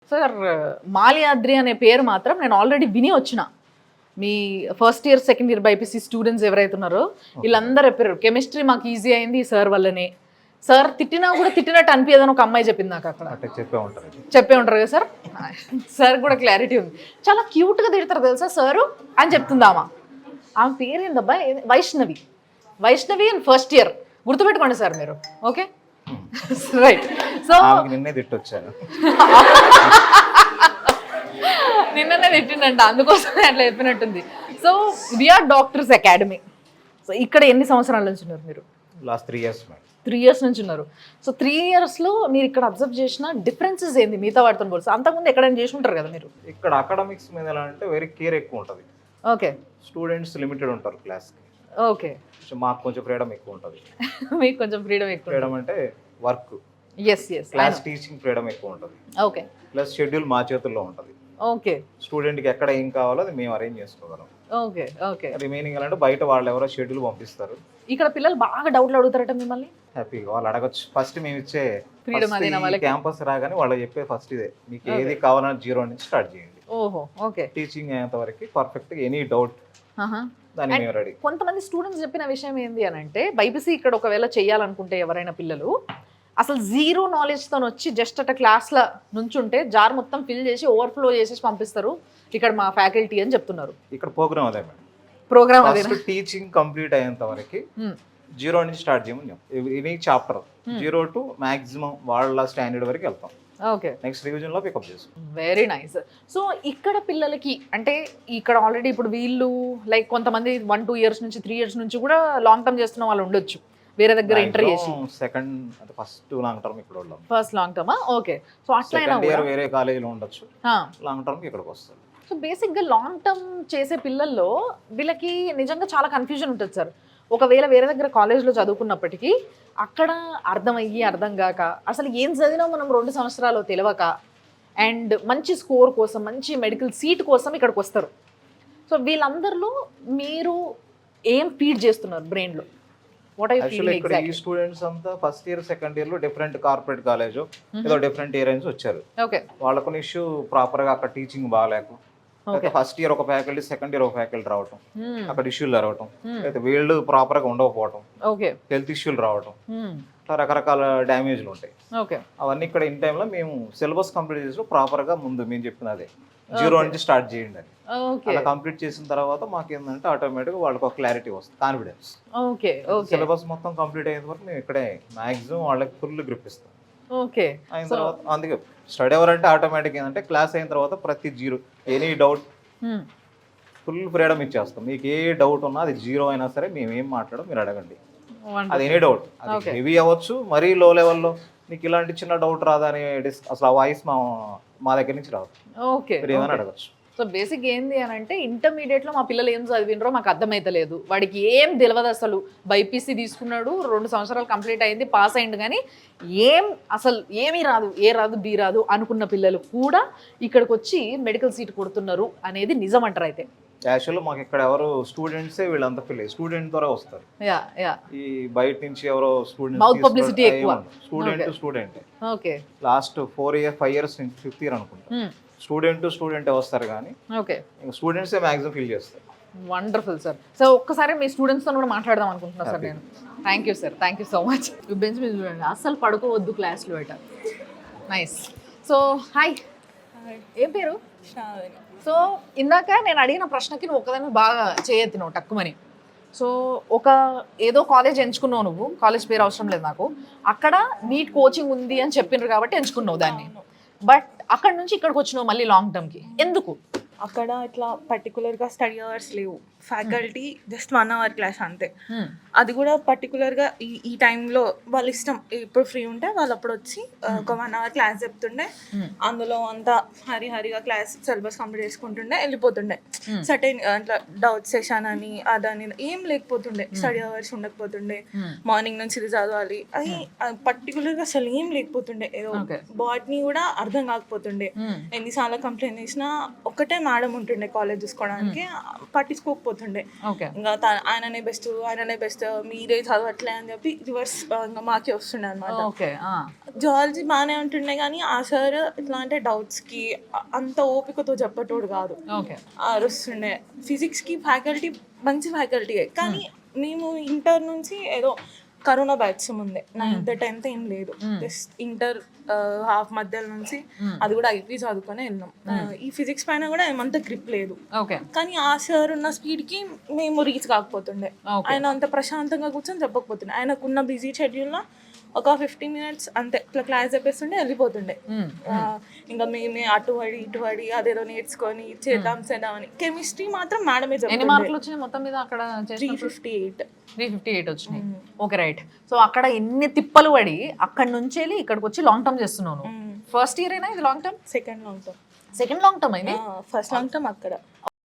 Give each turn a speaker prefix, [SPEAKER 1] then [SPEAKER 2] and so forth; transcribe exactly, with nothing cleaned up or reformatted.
[SPEAKER 1] Sir Malyadri అనే పేరు మాత్రం నేను ఆల్రెడీ విని వచ్చిన. మీ first year second year BPC students ఎవరైతే ఉన్నారో వీళ్ళందరూ చెప్పారు కెమిస్ట్రీ మాకు ఈజీ అయింది ఈ సార్ వల్లనే. సార్ తిట్టినా కూడా తిట్టినట్టు అనిపించదని ఒక అమ్మాయి చెప్పింది నాకు అక్కడ.
[SPEAKER 2] చెప్పే ఉంటారు
[SPEAKER 1] చెప్పే ఉంటారు కదా సార్. సార్ కూడా క్లారిటీ ఉంది. చాలా క్యూట్గా తిడతారు తెలుసా సారు అని చెప్తుంది ఆమె. ఆమె పేరు ఏందబ్బా? Vaishnavi. Vaishnavi and first year గుర్తుపెట్టుకోండి సార్ మీరు. Okay right. సో
[SPEAKER 2] నిన్నే తిట్టొచ్చాను.
[SPEAKER 1] నిన్ననే తిట్టిండంట, అందుకోసమే అట్లా చెప్పినట్టుంది. So VR doctors academy. So ఇక్కడ ఎన్ని సంవత్సరాల నుంచి ఉన్నారు మీరు?
[SPEAKER 2] Last three years
[SPEAKER 1] three years నుంచి ఉన్నారు. సో త్రీ ఇయర్స్లో మీరు ఇక్కడ అబ్జర్వ్ చేసిన డిఫరెన్సెస్ ఏంది మిగతా వాటితో పోల్సి? అంతకుముందు ఎక్కడైనా చేసి ఉంటారు కదా మీరు.
[SPEAKER 2] ఇక్కడ అకాడమిక్స్ మీద ఎలా అంటే వెరీ కేర్ ఎక్కువ ఉంటుంది.
[SPEAKER 1] ఓకే.
[SPEAKER 2] స్టూడెంట్స్ లిమిటెడ్ ఉంటారు క్లాస్కి.
[SPEAKER 1] ఓకే.
[SPEAKER 2] మాకు కొంచెం ఫ్రీడమ్ ఎక్కువ ఉంటుంది.
[SPEAKER 1] మీకు కొంచెం ఫ్రీడమ్ ఎక్కువ.
[SPEAKER 2] ఫ్రీడమ్ అంటే work,
[SPEAKER 1] yes yes
[SPEAKER 2] class teaching freedom ఎక్కువ ఉంటుంది.
[SPEAKER 1] ఓకే.
[SPEAKER 2] ప్లస్ షెడ్యూల్ మా చేతుల్లో ఉంటుంది.
[SPEAKER 1] ఓకే.
[SPEAKER 2] స్టూడెంట్కి ఎక్కడ ఏం కావాలో అది మేము అరేంజ్ చేసుకోగలం.
[SPEAKER 1] ఓకే. ఓకే.
[SPEAKER 2] రిమైనింగ్ అంటే బయట వాళ్ళు ఎవరో షెడ్యూల్ పంపిస్తారు.
[SPEAKER 1] ఇక్కడ పిల్లలు బాగా డౌట్లు అడుగుతారట మిమ్మల్ని.
[SPEAKER 2] హ్యాపీగా వాళ్ళు అడగచ్చు. ఫస్ట్ మేము ఇచ్చే
[SPEAKER 1] ఫ్రీడమ్ అదేనా వాళ్ళకి?
[SPEAKER 2] క్యాంపస్ రాగానే వాళ్ళు చెప్పే ఫస్ట్ ఇదే, మీకు ఏది కావాలని జీరో నుంచి స్టార్ట్ చేయండి.
[SPEAKER 1] ఓహో. ఓకే.
[SPEAKER 2] టీచింగ్ అయ్యేంత వరకు పర్ఫెక్ట్ ఎనీ డౌట్ దాన్ని మేము రెడీ.
[SPEAKER 1] కొంతమంది స్టూడెంట్స్ చెప్పిన విషయం ఏంటి అని అంటే బైపీసీ ఇక్కడ ఒకవేళ చేయాలనుకుంటే ఎవరైనా పిల్లలు అసలు జీరో నాలెడ్జ్తో వచ్చి జస్ట్ అట్లా క్లాస్లో నుంచుంటే జార్ మొత్తం ఫిల్ చేసి ఓవర్ఫ్లో చేసేసి పంపిస్తారు ఇక్కడ మా ఫ్యాకల్టీ అని చెప్తున్నారు.
[SPEAKER 2] ఇక్కడ ప్రోగ్రామ్ అదే మేడం.
[SPEAKER 1] ప్రోగ్రామ్ అదే.
[SPEAKER 2] టీచింగ్ కంప్లీట్ అయ్యేంత వరకు జీరో నుంచి స్టార్ట్ చేయమని చెప్తాం. Any chapter zero to maximum వాళ్ళ స్టాండర్డ్ వరకు వెళ్తాం.
[SPEAKER 1] ఓకే.
[SPEAKER 2] నెక్స్ట్ రివిజన్ లో పికప్ చేస్తాం.
[SPEAKER 1] Very nice. సో ఇక్కడ పిల్లలకి అంటే ఇక్కడ ఆల్రెడీ ఇప్పుడు వీళ్ళు లైక్ కొంతమంది వన్ టూ ఇయర్స్ నుంచి త్రీ ఇయర్స్ నుంచి కూడా లాంగ్ టర్మ్ చేస్తున్న వాళ్ళు ఉండొచ్చు వేరే దగ్గర ఎంటర్ చేసి.
[SPEAKER 2] సెకండ్ అంటే ఫస్ట్ లాంగ్ టర్మ్ ఇక్కడ ఉన్నాం.
[SPEAKER 1] First long term. Okay. So అట్లయినా
[SPEAKER 2] ఇయర్ వేరే కాలేజీలో ఉండొచ్చు, లాంగ్ టర్మ్ ఇక్కడికి వస్తారు.
[SPEAKER 1] సో బేసిక్గా లాంగ్ టర్మ్ చేసే పిల్లల్లో వీళ్ళకి నిజంగా చాలా కన్ఫ్యూజన్ ఉంటుంది సార్. ఒకవేళ వేరే దగ్గర కాలేజ్లో చదువుకున్నప్పటికీ అక్కడ అర్థమయ్యి అర్థం కాక అసలు ఏం చదివినా మనం రెండు సంవత్సరాలు తెలియక అండ్ మంచి స్కోర్ కోసం మంచి మెడికల్ సీట్ కోసం ఇక్కడికి వస్తారు. సో వీళ్ళందరిలో మీరు ఏం ఫీడ్ చేస్తున్నారు బ్రెయిన్లో? What I feel
[SPEAKER 2] exactly. ఈ స్టూడెంట్స్ అంతా ఫస్ట్ ఇయర్ సెకండ్ ఇయర్ లో డిఫరెంట్ కార్పొరేట్ కాలేజ్ ఏదో డిఫరెంట్ ఏరియా నుంచి వచ్చారు.
[SPEAKER 1] ఓకే.
[SPEAKER 2] వాళ్ళకు ఇష్యూ ప్రాపర్ గా అక్కడ టీచింగ్ బాగాలేక ఫస్ట్ ఇయర్ ఒక ఫ్యాకల్టీ సెకండ్ ఇయర్ ఒక ఫ్యాకల్టీ రావటం, అక్కడ ఇష్యూలు రావటం, అయితే వీళ్ళు ప్రాపర్ గా ఉండకపోవటం, హెల్త్ ఇష్యూలు రావటం, రకరకాల డ్యామేజ్లు ఉంటాయి. అవన్నీ ఇక్కడ ఇన్ టైంలో మేము సిలబస్ కంప్లీట్ చేసి ప్రాపర్ గా ముందు మేము చెప్పిన అదే జీరో నుంచి స్టార్ట్ చేయండి అని అలా కంప్లీట్ చేసిన తర్వాత మాకు ఏంటంటే ఆటోమేటిక్గా వాళ్ళకి ఒక క్లారిటీ వస్తుంది, కాన్ఫిడెన్స్. సిలబస్ మొత్తం కంప్లీట్ అయిన వరకు మేము ఇక్కడే మాక్సిమం వాళ్ళకి ఫుల్ గ్రిప్ ఇస్తాం.
[SPEAKER 1] ఓకే.
[SPEAKER 2] అయిన తర్వాత అందుకే స్టడీ అవర్ అంటే ఆటోమేటిక్ ఏంటంటే క్లాస్ అయిన తర్వాత ప్రతి zero any doubt full freedom ఇచ్చేస్తాం. మీకు ఏ డౌట్ ఉన్నా అది జీరో అయినా సరే మేము ఏం మాట్లాడడం మీరు అడగండి. అది ఎనీ డౌట్, అది హెవీ అవ్వచ్చు, మరీ లో లెవెల్లో మీకు ఇలాంటి చిన్న డౌట్ రాదా అని డిస్ అసలు ఆ వాయిస్ మా మా దగ్గర నుంచి రాదు.
[SPEAKER 1] ఓకే.
[SPEAKER 2] మీరు ఏమైనా అడగచ్చు.
[SPEAKER 1] సో బేసిక్ ఏంది అని అంటే ఇంటర్మీడియట్లో మా పిల్లలు ఏం చదివినరో మాకు అర్థమైతలేదు, వాడికి ఏం తెలియదు అసలు. బైపీసీ తీసుకున్నాడు, రెండు సంవత్సరాలు కంప్లీట్ అయింది, పాస్ అయింది, కానీ ఏం అసలు ఏమీ రాదు, ఏ రాదు బి రాదు అనుకున్న పిల్లలు కూడా ఇక్కడికి వచ్చి మెడికల్ సీట్ కొడుతున్నారు అనేది నిజం అంటారు. అయితే
[SPEAKER 2] యాక్చువల్గా మాకు ఇక్కడ ఎవరు స్టూడెంట్సే వీళ్ళంతా పిల్లలు స్టూడెంట్ ద్వారా వస్తారు.
[SPEAKER 1] Yeah yeah.
[SPEAKER 2] ఈ బయట నుంచి ఎవరో స్టూడెంట్
[SPEAKER 1] మౌత్ పబ్లిసిటీ ఎక్కువ.
[SPEAKER 2] Student student.
[SPEAKER 1] Okay.
[SPEAKER 2] Last four year five years నుంచి ఫిఫ్త్ ఇయర్ అనుకుంటా స్టూడెంట్ స్టూడెంట్ వస్తారు, కానీ
[SPEAKER 1] ఓకే
[SPEAKER 2] స్టూడెంట్స్ మ్యాక్సిమం ఫీల్ చేస్తారు.
[SPEAKER 1] Wonderful sir. సో ఒక్కసారి మీ స్టూడెంట్స్తో కూడా మాట్లాడదాం అనుకుంటున్నా సార్ నేను. Thank you sir, thank you so much. Bench మీద చూడండి, అస్సలు పడుకోవద్దు క్లాస్లో బయట. నైస్. సో హాయ్, ఏం పేరు? సో ఇందాక నేను అడిగిన ప్రశ్నకి నువ్వు ఒకదాన్ని బాగా చేయెత్తినావు టక్కుమని. సో ఒక ఏదో కాలేజ్ ఎంచుకున్నావు నువ్వు, కాలేజ్ పేరు అవసరం లేదు నాకు, అక్కడ నీట్ కోచింగ్ ఉంది అని చెప్పిండ్రు కాబట్టి ఎంచుకున్నావు దాన్ని. బట్ అక్కడ నుంచి ఇక్కడికి వచ్చినావు మళ్ళీ లాంగ్ టర్మ్కి, ఎందుకు?
[SPEAKER 3] అక్కడ ఇట్లా పర్టికులర్గా స్టడీ అవర్స్ లేవు, faculty just one hour class అంతే. అది కూడా పర్టికులర్గా ఈ ఈ టైంలో వాళ్ళ ఇష్టం, ఇప్పుడు ఫ్రీ ఉంటే వాళ్ళు అప్పుడు వచ్చి ఒక వన్ అవర్ క్లాస్ చెప్తుండే, అందులో అంతా హరి హరిగా క్లాస్ సిలబస్ కంప్లీట్ చేసుకుంటుండే వెళ్ళిపోతుండే. సర్టెన్ అట్లా డౌట్ సెషన్ అని అదని ఏం లేకపోతుండే, స్టడీ అవర్స్ ఉండకపోతుండే, మార్నింగ్ నుంచి ఇది చదవాలి అది పర్టికులర్గా అసలు ఏం లేకపోతుండే. ఏదో బాట్నీ కూడా అర్థం కాకపోతుండే, ఎన్నిసార్లు కంప్లైంట్ చేసినా ఒకటే మేడం ఉంటుండే కాలేజ్ చూసుకోవడానికి, పట్టించుకోకపోతుండే. ఇంకా ఆయననే బెస్ట్ ఆయననే బెస్ట్ మీరే చదవట్లే అని చెప్పి రివర్స్ ఇంకా మాకే వస్తుండే అనమాట.
[SPEAKER 1] ఓకే.
[SPEAKER 3] జువాలజీ బాగానే ఉంటుండే కానీ ఆ సార్ ఎట్లా అంటే డౌట్స్కి అంత ఓపికతో చెప్పేటోడు కాదు,
[SPEAKER 1] ఓకే.
[SPEAKER 3] అరుస్తుండే. ఫిజిక్స్కి ఫ్యాకల్టీ మంచి ఫ్యాకల్టీయే కానీ మేము ఇంటర్ నుంచి ఏదో కరోనా బ్యాచ్ ముందే నైన్త్ టెన్త్ ఏం లేదు, జస్ట్ ఇంటర్ హాఫ్ మధ్యలో నుంచి అది కూడా ఐపీ చదువుకొని వెళ్ళినాం. ఈ ఫిజిక్స్ పైన కూడా ఏమంత గ్రిప్ లేదు,
[SPEAKER 1] ఓకే.
[SPEAKER 3] కానీ ఆ సార్ ఉన్న స్పీడ్కి మేము రీచ్ కాకపోతుండే. ఆయన అంత ప్రశాంతంగా కూర్చొని చెప్పకపోతుండే. ఆయనకున్న బిజీ షెడ్యూల్లో ఒక ఫిఫ్టీన్ మినిట్స్ అంతే ఇట్లా క్లాస్ చెప్పేస్తుండే వెళ్ళిపోతుండే. ఇంకా మేమే అటు పడి ఇటు పడి అదేదో నేర్చుకొని చేద్దాం చేద్దాం అని. కెమిస్ట్రీ మాత్రం మేడమే
[SPEAKER 1] ఎన్ని
[SPEAKER 3] చెప్పింది.
[SPEAKER 1] మార్కులు వచ్చినాయి మొత్తం మీద అక్కడ?
[SPEAKER 3] Three fifty eight
[SPEAKER 1] three fifty eight వచ్చినాయి. Okay, right. సో అక్కడ ఎన్ని తిప్పలు పడి అక్కడ నుంచి వెళ్ళి ఇక్కడికి వచ్చి లాంగ్ టర్మ్ చేస్తున్నాను. ఫస్ట్ ఇయర్ అయినా ఇది long term?
[SPEAKER 3] Second long term.
[SPEAKER 1] Second long term అయింది.
[SPEAKER 3] ఫస్ట్ లాంగ్ టర్మ్ అక్కడ